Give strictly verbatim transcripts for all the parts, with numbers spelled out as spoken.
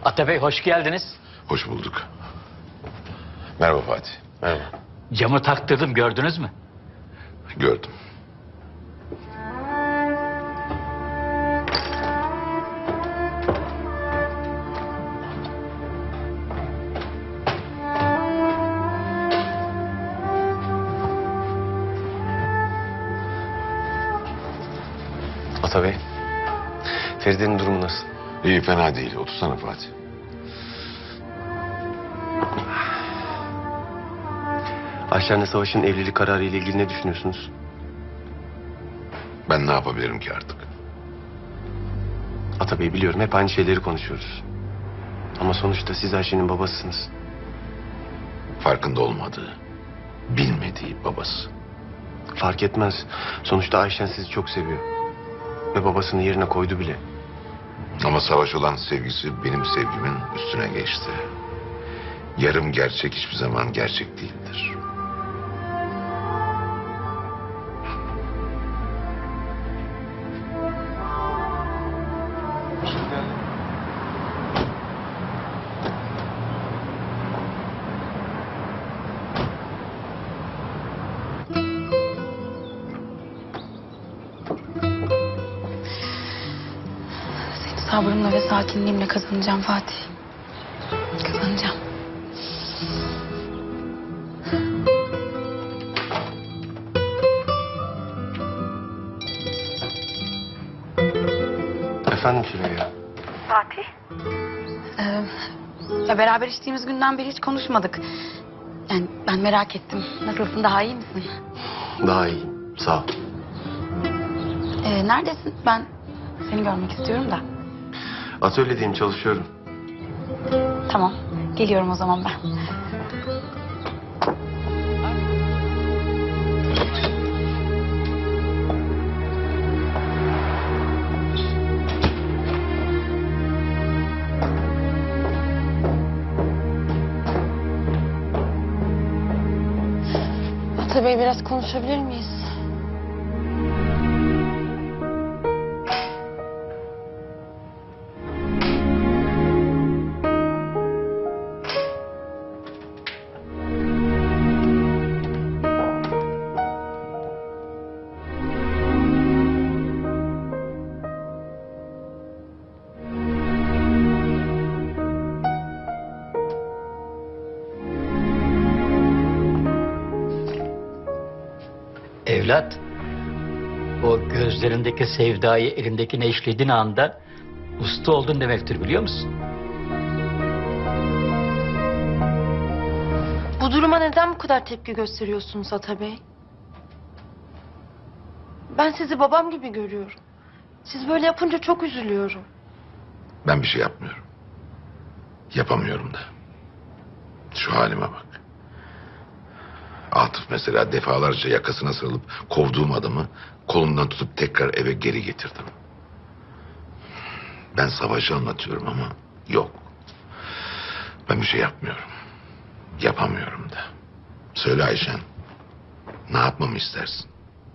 Atabey hoş geldiniz. Hoş bulduk. Merhaba Fatih. Merhaba. Camı taktırdım, gördünüz mü? Gördüm. Atabey, Feride'nin durumu nasıl? İyi, fena değil. Otursana Fatih. Ayşen'le Savaş'ın evlilik kararı ile ilgili ne düşünüyorsunuz? Ben ne yapabilirim ki artık? Atabey, biliyorum hep aynı şeyleri konuşuyoruz. Ama sonuçta siz Ayşe'nin babasısınız. Farkında olmadığı, bilmediği babası. Fark etmez. Sonuçta Ayşen sizi çok seviyor. Ve babasını yerine koydu bile. Ama Savaş olan sevgisi benim sevgimin üstüne geçti. Yarım gerçek hiçbir zaman gerçek değildir. Sabrımla ve sakinliğimle kazanacağım Fatih. Kazanacağım. Efendim Süreyya? Fatih? Ee, ya beraber içtiğimiz günden beri hiç konuşmadık. Yani ben merak ettim. Nasılsın, daha iyi misin? Daha iyiyim. Sağ ol. Ee, neredesin? Ben seni görmek istiyorum da. Atölyedeyim, çalışıyorum. Tamam. Geliyorum o zaman ben. Atabey, biraz konuşabilir miyiz? Evlat, o gözlerindeki sevdayı elindekine işlediğin anda usta oldun demektir, biliyor musun? Bu duruma neden bu kadar tepki gösteriyorsunuz Atabey? Ben sizi babam gibi görüyorum. Siz böyle yapınca çok üzülüyorum. Ben bir şey yapmıyorum. Yapamıyorum da. Şu halime bak. Atıf mesela defalarca yakasına sarılıp kovduğum adamı kolundan tutup tekrar eve geri getirdim. Ben Savaş'ı anlatıyorum ama yok. Ben bir şey yapmıyorum. Yapamıyorum da. Söyle Ayşen. Ne yapmamı istersin?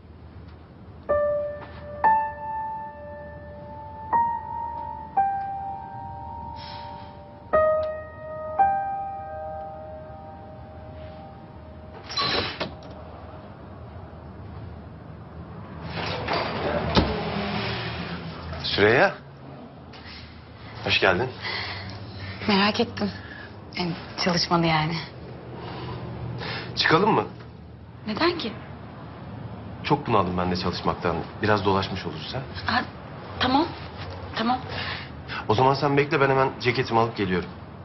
Süreyya. Hoş geldin. Merak ettim. Yani çalışmanı yani. Çıkalım mı? Neden ki? Çok bunaldım ben de çalışmaktan. Biraz dolaşmış oluruz ha. Ha, tamam. Tamam. O zaman sen bekle, ben hemen ceketimi alıp geliyorum.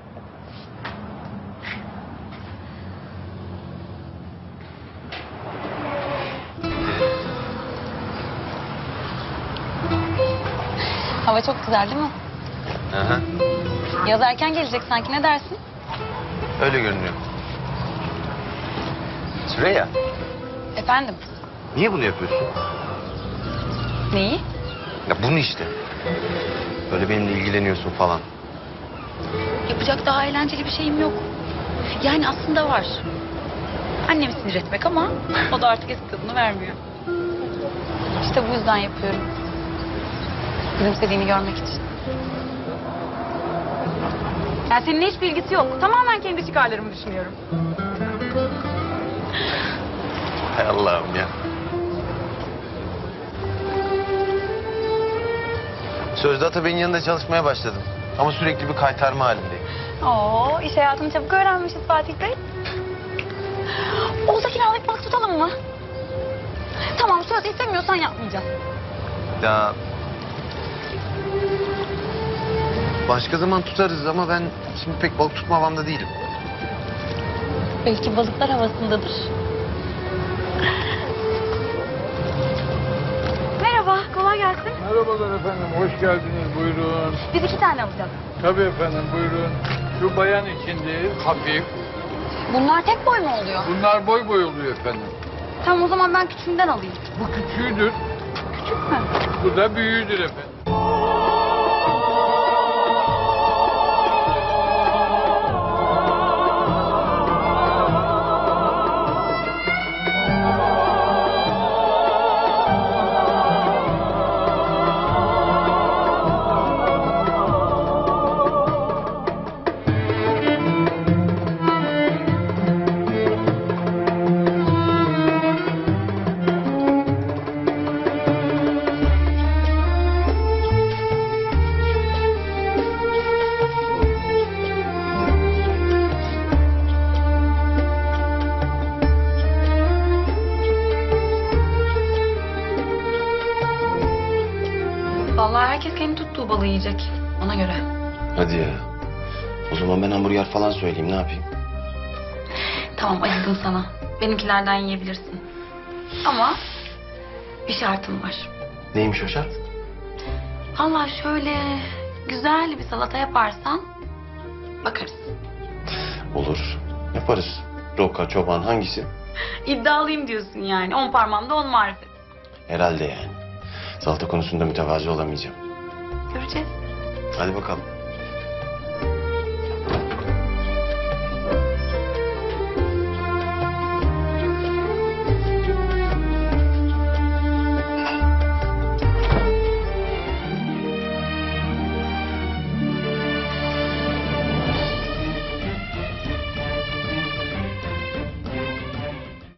Hava çok güzel değil mi? Aha. Yaz erken gelecek sanki, ne dersin? Öyle görünüyor. Süreyya, Efendim? niye bunu yapıyorsun? Neyi? Ya bunu işte. Böyle benimle ilgileniyorsun falan. Yapacak daha eğlenceli bir şeyim yok. Yani aslında var. Annemi sinir etmek ama o da artık eski tadını vermiyor. İşte bu yüzden yapıyorum. Gülümsediğini görmek için. Yani seninle hiçbir ilgisi yok. Tamamen kendi çıkarlarımı düşünüyorum. Hay Allah'ım ya. Sözde Atabey'in yanında çalışmaya başladım. Ama sürekli bir kaytarma halindeyim. Oo, iş hayatını çabuk öğrenmişiz Fatih Bey. Olsa kiralık balık tutalım mı? Tamam, söz istemiyorsan yapmayacağız. Ya... Başka zaman tutarız ama ben şimdi pek balık tutma havamda değilim. Belki balıklar havasındadır. Merhaba, kolay gelsin. Merhabalar efendim, hoş geldiniz. Buyurun. Biz iki tane alacağız. Tabii efendim, buyurun. Şu bayan için değil, hafif. Bunlar tek boy mu oluyor? Bunlar boy boy oluyor efendim. Tamam, o zaman ben küçüğünden alayım. Bu küçüğüdür, Küçük mü? bu da büyüğüdür efendim. Vallahi herkes kendi tuttuğu balığı yiyecek. Ona göre. Hadi ya. O zaman ben hamburger falan söyleyeyim, ne yapayım? Tamam, acıdım sana. Benimkilerden yiyebilirsin. Ama bir şartım var. Neymiş o şart? Allah şöyle güzel bir salata yaparsan bakarız. Olur. Yaparız. Roka, çoban hangisi? İddialıyım diyorsun yani. On parmağımda on marifet. Herhalde yani. Salata konusunda mütevazi olamayacağım. Göreceğiz. Hadi bakalım.